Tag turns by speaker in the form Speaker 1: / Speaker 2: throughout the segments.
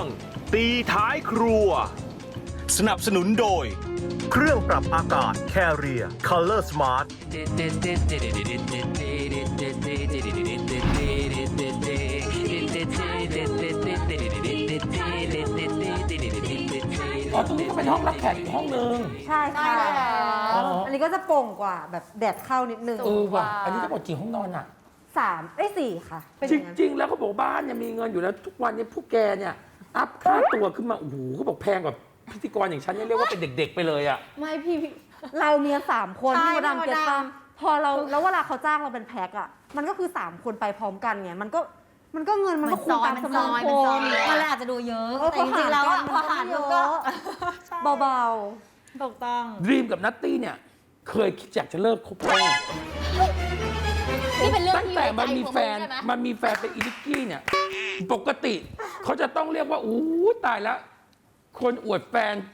Speaker 1: ตีท้ายครัวสนับสนุนโดยเครื่องปรับอากาศ Carrier Color Smart
Speaker 2: อ๋อตรงนี้ก็เป็นห้องรับแขกอีกห้องนึง
Speaker 3: ใช่ค่ะ
Speaker 2: อ๋อ
Speaker 3: อันนี้ก็จะโปร่งกว่าแบบแดดเข้านิดนึง
Speaker 2: ว่ะอันนี้ทั้งหมดกี่ห้องนอนอ่ะ
Speaker 3: 4 ค่ะ เป็น
Speaker 2: จ
Speaker 3: อย่างนั้น
Speaker 2: ริง ๆ แล้วเขาบอกบ้านเนี่ยมีเงินอยู่แล้วทุกวันเนี่ยพวกแกเนี่ยอัพค่าตัวขึ้นมาโอ้โหเขาบอกแพงกว่าพิธีกรอย่างฉันเนี่ยเรียกว่าเป็นเด็ก ๆ ไปเลยอ่ะ
Speaker 3: ไม่พี่เรามีกัน3 คน
Speaker 4: ใช่
Speaker 3: พี่มดดำ
Speaker 4: พี่มดดำ
Speaker 3: เก็ตป่ะพอเราแล้วเวลาเขาจ้างเราเป็นแพ็คอะมันก็คือ 3 คนไปพร้อมกันไงมันก็เงินมันก็คูณตามจำนวนคน
Speaker 4: มันเลยอาจจะดูเยอะ
Speaker 3: แต่จริงๆแล้วอะพอหารมันก็เบา
Speaker 4: ถูกต้อง
Speaker 2: ดีมกับนัตตี้เนี่ยเคยคิดอยากจะเลิกคบแป้ง
Speaker 5: นี่เป็นเรื่อง
Speaker 2: ตั้ง
Speaker 5: ที่
Speaker 2: แต่
Speaker 5: อยู่ใน
Speaker 2: มัน
Speaker 5: ใจ
Speaker 2: มี
Speaker 5: ของ
Speaker 2: แฟ
Speaker 5: มึง
Speaker 2: น
Speaker 5: ใช่ไหม
Speaker 2: มันมีแฟนเป็นอีนิกกี้เนี่ยปกติเขาจะต้องเรียกว่าอู้ตายแล้วคนอวดแฟน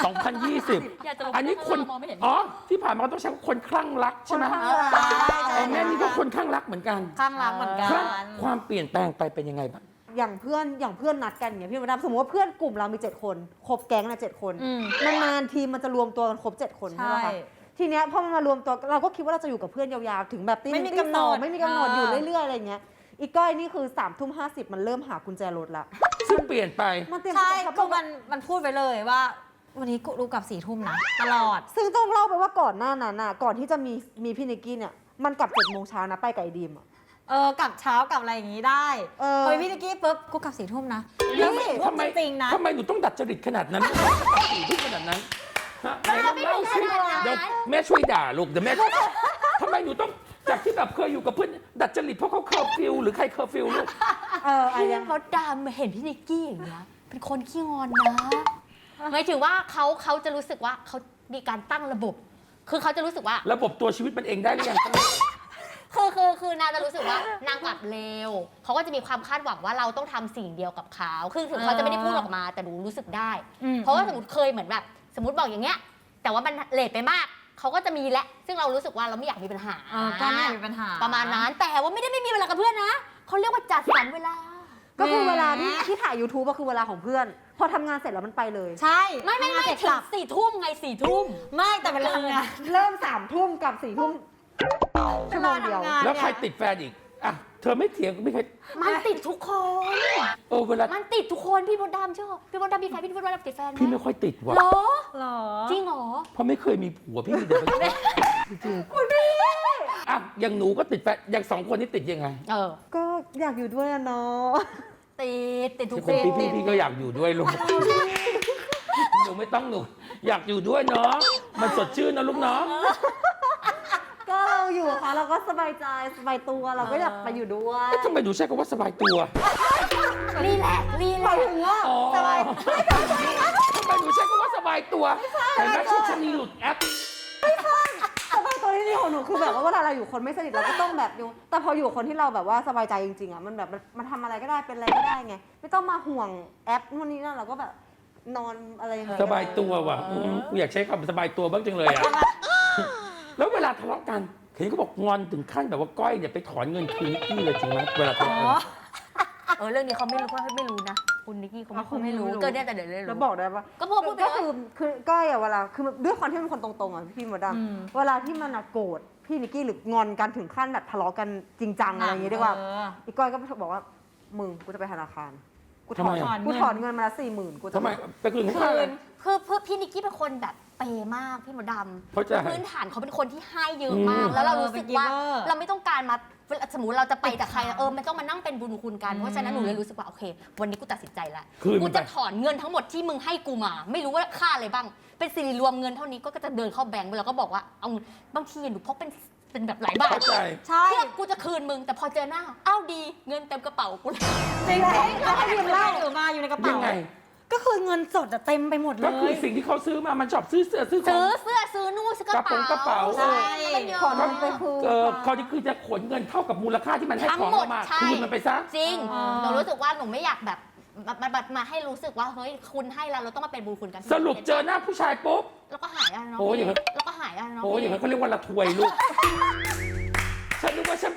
Speaker 2: 2020
Speaker 5: อยากจะลง
Speaker 2: อันนี้คน
Speaker 5: มองไม่เห็น
Speaker 2: อ๋อที่ผ่านมาต้องใช้ว่าคนคลั่งรัก
Speaker 3: ๆ
Speaker 2: ใช่ไหม
Speaker 3: ค่อนข้างรัก
Speaker 2: อ๋อแม่นี่ก็คนคลั่งรักเหมือนกัน
Speaker 4: ข้างรักเหมือนกั
Speaker 2: คลั่ง
Speaker 4: น
Speaker 2: ความเปลี่ยนแปลงไปเป็นยังไงบ้าง
Speaker 3: อย่างเพื่อนนัดกันอย่างเงี้ยพี่มดดำสมมติว่าเพื่อนกลุ่มเรามี 7 คนครบแก๊งนะ7 คน
Speaker 4: อืม
Speaker 3: นานๆทีมันจะรวมตัวกันครบ 7 คนใช่ไหม
Speaker 4: ใช่
Speaker 3: คะทีเนี้ยพอมันมารวมตัวเราก็คิดว่าเราจะอยู่กับเพื่อนยาวๆถึงแบบตี
Speaker 4: ไม่
Speaker 3: ห
Speaker 4: มี
Speaker 3: นึ่งตี
Speaker 4: กำหน
Speaker 3: สอง
Speaker 4: ด
Speaker 3: ไม่มีกำหนดอยู่เรื่อยๆอะไรเงี้ยอีกก้อยนี่คือ3:50มันเริ่มหากุญแจรถละ
Speaker 2: ซึ่งเปลี่ยนไป
Speaker 3: มันเตรียม
Speaker 4: ใช่
Speaker 3: ตัว
Speaker 4: คือมันพูดไปเลยว่า วันนี้กูดูกลับ4 ทุ่มนะ ตลอด
Speaker 3: ซึ่งต้องเล่าไปว่าก่อนหน้านั้นน่ะก่อนที่จะมีพี่นิกกี้เนี่ยมันกลับ7 โมงเช้านะไปกับไอ้ดีมอะ
Speaker 4: กลับเช้ากลับอะไรอย่างงี้ได้
Speaker 3: เฮ้ย
Speaker 4: พี่นิกกี้ปุ๊บกูกลับ4 ทุ่มนะ
Speaker 3: นี่
Speaker 4: แล้ว4 ทุ่ม
Speaker 2: ทำไม
Speaker 4: จริงๆนะ
Speaker 2: ทำไมหนูต้องดัดจริตขนาดนั้นทุกขนาดนั้นฮะไหนลองเล่าสิเดี๋ยวแม่ช่วยด่าลูกเดี๋ยวแม่ทำไมหนูต้องจากที่แบบเคยอยู่กับเพื่อนดัดจริตเพราะเขาเคอร์ฟิวหรือใครเคอร์ฟิวลูก
Speaker 3: อะไร
Speaker 5: พี่
Speaker 3: ยัง
Speaker 5: มดดำเห็นพี่นิกกี้อย่างเงี้ยเป็นคนขี้งอนนะหมายถึงว่าเขาจะรู้สึกว่าเขามีการตั้งระบบ คือเขาจะรู้สึกว่า
Speaker 2: ระบบตัวชีวิตมันเองได้หรือยัง
Speaker 5: คือนางจะรู้สึกว่านางกลับเร็วเขาก็จะมีความคาดหวังว่าเราต้องทำสิ่งเดียวกับเขาคือถึงเขาจะไม่ได้พูดออกมาแต่หนูรู้สึกได้
Speaker 4: อืม
Speaker 5: เพราะว่าสมมติเคยเหมือนแบบสมมติบอกอย่างเงี้ย แต่ว่ามันเลทไปมากเขาก็จะมีแหละซึ่งเรารู้สึกว่าเราไม่อยากมีปัญหา
Speaker 4: ก็ไม่มีปัญหา
Speaker 5: ประมาณนั้นแต่ว่าไม่ได้ไม่มีเวลากับเพื่อนนะเขาเรียกว่าจัดสรรเวลา
Speaker 3: ก็คือ
Speaker 4: แหม
Speaker 3: เวลาที่ถ่าย YouTube ก็คือเวลาของเพื่อน พอทำงานเสร็จแล้วมันไปเลย
Speaker 4: ใช่
Speaker 5: ไม่
Speaker 4: ทำงานเสร็จ
Speaker 5: ถึ
Speaker 4: ก
Speaker 5: ง
Speaker 4: ลับ
Speaker 5: 4 ทุ่มไง4 ทุ่ม
Speaker 4: ไม่แต่เวลาทำงาน
Speaker 3: เริ่ม3 ทุ่มกับ4 ทุ่มชั่วโมงเดียว
Speaker 4: เวลาทำงาน
Speaker 2: แล้วใครติดแฟนอีกอ่ะเธอไม่เถียงไม่เคย
Speaker 5: มันติดทุกคน
Speaker 2: เวลา
Speaker 5: มันติดทุกคนพี่มดดำชอบพี่มดดำมีแฟนพี่มดดำติดแฟนไหม
Speaker 2: พี่ไม่ค่อยติดว่ะ
Speaker 5: เหรอ
Speaker 4: หรอ
Speaker 5: จริงเหรอ
Speaker 2: เพราะไม่เคยมีผัวพี่มีแต่ไปจริงๆอ่ะอย่างหนูก็ติดแฟนอย่าง2 คนนี้ติดยังไง
Speaker 3: ก็อยากอยู่ด้วยอะเนาะ
Speaker 5: ติดทุกค
Speaker 2: เป็น
Speaker 5: น
Speaker 2: พี่ก็อยากอยู่ด้วยลูกหนูไม่ต้องหนูอยากอยู่ด้วยเนาะมันสดชื่นนะลูกเนาะ
Speaker 3: ก็เราอยู่กับเขาเราก็สบายใจสบายตัวเราก็อยากไปอยู่ด้วย
Speaker 2: ทำไมหนูใช้คำว่าสบายตัว
Speaker 5: รีแลกซ์รี
Speaker 3: ห
Speaker 5: แล
Speaker 3: มาย
Speaker 5: กซ์
Speaker 3: ถึงว่า
Speaker 2: อ๋อทำไมหนูใช้คำว่าสบายตัวเห็นไหมชุดชะนีหลุดแอป
Speaker 3: สบายตัวที่นี่ของหนูคือแบบว่าเวลาเราอยู่คนไม่สนิทเราก็ต้องแบบอยู่แต่พออยู่กับคนที่เราแบบว่าสบายใจจริงๆอ่ะมันแบบมันทำอะไรก็ได้เป็นอะไรก็ได้ไงไม่ต้องมาห่วงแอปนู่นนี่นั่นเราก็แบบนอนอะไรอย่างเงี้ย
Speaker 2: สบายตัวว่ะกูอยากใช้คำสบายตัวบ้างจังเลยอ่ะ แล้วเวลาทะเลาะกันเห็นเขาบอกงอนถึงขั้นแบบว่าก้อยเนี่ยไปถอนเงินคืนนิกกี้เลยจริงไหมเวลาทะเลาะกัน
Speaker 5: เรื่องนี้เขาไม่รู้ไม่รู้นะคุณนิกกี้เขาไม่รู้เกินเนี่ยแต่เดี๋ยวเลย
Speaker 3: แล้ว
Speaker 5: รู้
Speaker 3: บอกได้ปะ
Speaker 5: ก็พูดไป
Speaker 3: ก็
Speaker 5: เลย
Speaker 3: คือก้อยอะเวลาคือด้วยความที่เป็นคนตรงๆอะพี่มดดำเวลาที่มันอะโกรธพี่นิกกี้หรืองอนกันถึงขั้นแบบทะเลาะกันจริงจังอะไรอย่างงี้ดีกว่าอีกก้อยก็บอกว่ามึงกูจะไปธนาคารกูถอน
Speaker 2: ทำไมอะ
Speaker 3: กูถอนเงินมาละ40,000กูจะ
Speaker 2: ทำไมไปคืนเขา
Speaker 5: คื
Speaker 2: อะไร
Speaker 5: นคือพี่นิกกี้เป็นคนแบบเปย์มากพี่มดดำ
Speaker 2: เข้าใจ
Speaker 5: พื้นฐานเขาเป็นคนที่ให้เยอะมาก แล้วเรารู้สึกว่า
Speaker 4: เป็น giver
Speaker 5: เราไม่ต้องการมาสมมติเราจะไปกับใครมันต้องมานั่งเป็นบุญคุณกันเพราะฉะนั้นหนูเลยรู้สึกว่าโอเค วันนี้กูตัดสินใจแล้ว
Speaker 2: คืน
Speaker 5: กู
Speaker 2: มันไป
Speaker 5: จะถอนเงินทั้งหมดที่มึงให้กูมา ไม่รู้ว่าค่าอะไรบ้าง เป็นสิริรวมเงินเท่านี้ก็จะเดินเข้าแบงก์ไปแล้วก็บอกว่าเอาบางทีหนูพกเป็นแบบหลายบาท
Speaker 2: เข้าใจ
Speaker 4: ใช่
Speaker 5: เพื่อกูจะคืนมึงแต่พอเจอหน้าอ้าวดีเงินเต็มกระเป๋ากูเลย
Speaker 4: จริงๆแล้วให้ยืมเหล้าหรือมาอยู่ในกระ
Speaker 2: ยั
Speaker 4: เป๋า
Speaker 2: งไง
Speaker 4: ก็คือเงินสดอะเต็มไปหมดเล
Speaker 2: ก็คือย สิ่งที่เขาซื้อมามันชอบซื้อเสื้อซื้อขอ
Speaker 5: ซื้
Speaker 2: ง
Speaker 5: อเสื้อซื้อนู่นซื้อกระเป๋าก
Speaker 2: ระเป๋า
Speaker 5: ใช่
Speaker 3: ถอนเงินไปคืน
Speaker 2: เขาจะคือจะขนเงินเท่ากับมูลค่าที่มันให้
Speaker 5: ทั้ง
Speaker 2: ของ
Speaker 5: หมด
Speaker 2: เรามา
Speaker 5: ใช่
Speaker 2: คืนมันไปซะ
Speaker 5: จริง
Speaker 4: อ๋อ
Speaker 5: หนูรู้สึกว่าหนูไม่อยากแบบมาให้รู้สึกว่าเฮ้ยคุณให้เราต้องมาเป็นบุญคุณกัน
Speaker 2: สรุปเจอหน้าผู้ชายปุ๊บ
Speaker 5: แล้วก็หายอ่ะน้อง
Speaker 2: โอ้ยอย่างนั้น
Speaker 5: แล้วก็หายอ่ะน้อง
Speaker 2: โอ้ยอย่างนั้นเขาเรียกว่าละทวยลูก ฉันนึกว่าฉันไป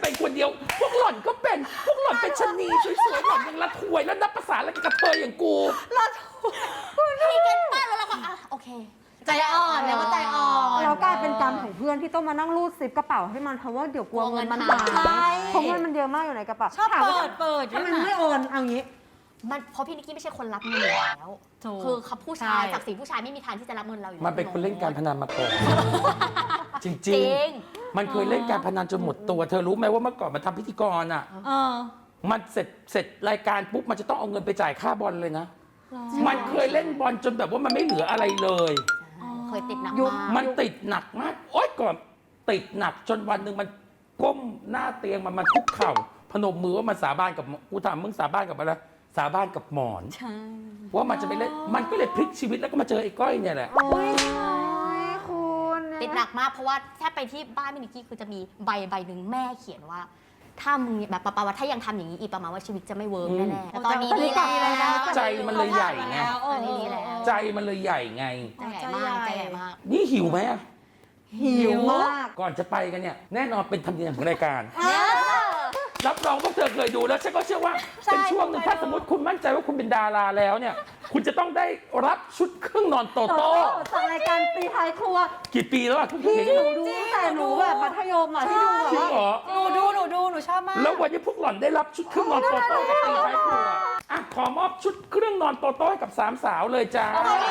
Speaker 2: เป็นคนเดียว พวกหล่อนก็เป็นพวกหล่อนเป็นชะนีสวยๆหล่อนยังละถวยแล้วนับภาษาอะไรกับกระเทยอย่างกู
Speaker 5: พี่เก็ตป้าแล้วเราก็โอเค
Speaker 4: ใจอ่อนแล้วก็ใจอ่อน
Speaker 3: เรากลายเป็นกรรมของเพื่อนที่ต้องมานั่งรูดซิปกระเป๋าให้มันเพราะว่าเดี๋ยวกลัวเงินมันหาย
Speaker 4: ใช่
Speaker 3: เพราะเงินมันเยอะมากอยู่ในกระเป๋า
Speaker 4: ชอบ
Speaker 3: ถามว่า
Speaker 4: เปิด
Speaker 3: ทำไมไม่โอนเอางี้
Speaker 5: มันเพราะพี่นิกกี้ไม่ใช่คนรับเงินอยู่แล้ว
Speaker 4: ถูก
Speaker 5: คือเขาผู้ชาย
Speaker 4: ใช่
Speaker 5: ศักดิ์ศรีผู้ชายไม่มีทางที่จะรับเงินเราอยู่
Speaker 2: มันเป็นคนเล่นการพนันมาก่อนจ
Speaker 5: จ
Speaker 2: ริง
Speaker 5: ริง
Speaker 2: ๆ มันเคยเล่นการพนันจนหมดตัวเธอรู้ไหมว่าเมื่อก่อนมันทำพิธีกรอ่ะ
Speaker 4: เออ
Speaker 2: มันเสร็จรายการปุ๊บมันจะต้องเอาเงินไปจ่ายค่าบอลเลยนะ มันเคยเล่นบอลจนแบบว่ามันไม่เหลืออะไรเลย
Speaker 5: เคยติดหนัก
Speaker 3: ยุค
Speaker 5: มาก
Speaker 2: มันติดหนักมาก โอ๊ยก่อนติดหนักจนวันหนึ่งมันก้มหน้าเตียงมันคุกเข่า พนมมือว่ามันสาบานกับกูถามมึงสาบานกับอะไรสาบานกับหมอน
Speaker 4: ใช่
Speaker 2: ว่ามันจะไปเล่นมันก็เลยพลิกชีวิตแล้วก็มาเจอไอ้ก้อยเนี่ยแหละ
Speaker 3: โอ้ยคุณ
Speaker 5: ติดหนักมากเพราะว่าถ้าไปที่บ้านพี่นิกกี้คือจะมีใบหนึ่งแม่เขียนว่า ถ้ามึงแบบประมาณว่าถ้ายังทำอย่างนี้อีกประมาณว่าชีวิตจะไม่เวิร์กแน่ๆแต่ตอนนี้ดีแล้ว
Speaker 2: ใจมันเลยใหญ่ไง
Speaker 5: ตอนนี้ดีแล้ว
Speaker 2: ใจมันเลยใหญ่ไง
Speaker 5: ใจใหญ่มากใจใหญ่มาก
Speaker 2: นี่หิวไหมอะ
Speaker 3: หิวมาก
Speaker 2: ก่อนจะไปกันเนี่ยแน่นอนเป็นธรรมเนียมของรายการ รับรองพวกเธอเคยดูแล้วฉันก็เชื่อว่าเป็นช่วงหนึ่งถ้าสมมติคุณมั่นใจว่าคุณเป็นดาราแล้วเนี่ย คุณจะต้องได้รับชุดเครื่องนอนโต
Speaker 3: โต
Speaker 2: โต้
Speaker 3: จากรายการตีท้ายครัว
Speaker 2: กี่ปีแล้วอะทุกที
Speaker 3: ที่หนูดูตั้งแต่หนูแบบมัธยมอ่ะที่ดูแบบ
Speaker 2: จริง
Speaker 3: ว่า
Speaker 2: เหรอ
Speaker 4: หนูดูหนูชอบมาก
Speaker 2: แล้ววันนี้พวกหล่อนได้รับชุดเครื่องนอนโตโต้จากตีท้ายครัวอ่ะขอมอบชุดเครื่องนอนโตโต้ให้กับสามสาวเลยจ้า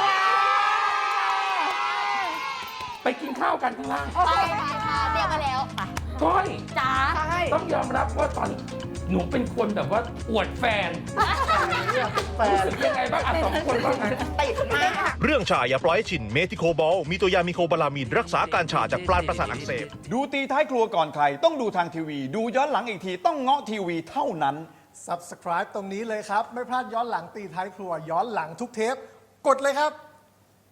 Speaker 2: ไปกินข้าวกันข้างล่าง
Speaker 5: ไปค่ะเรียกมาแล้วไป
Speaker 2: ก้อย
Speaker 5: จ้า
Speaker 2: ต้องยอมรับว่าตอนหนูเป็นคนแบบว่าอวดแฟนรู้สึกยังไงบ้างอ่ะสองคนว่าไง
Speaker 1: เรื่องชาอย่าปล่อยให้ชินเมทิโคบอลมีตัวยามิโคบาลามีนรักษาการชาจากปลายประสาทอักเสบ
Speaker 6: ดูตีท้ายครัวก่อนใคร ต้องดูทางทีวี ดูย้อนหลังอีกทีต้องเงาะทีวีเท่านั้น
Speaker 7: Subscribe ตรงนี้เลยครับ ไม่พลาดย้อนหลังตีท้ายครัว ย้อนหลังทุกเทป กดเลยครับ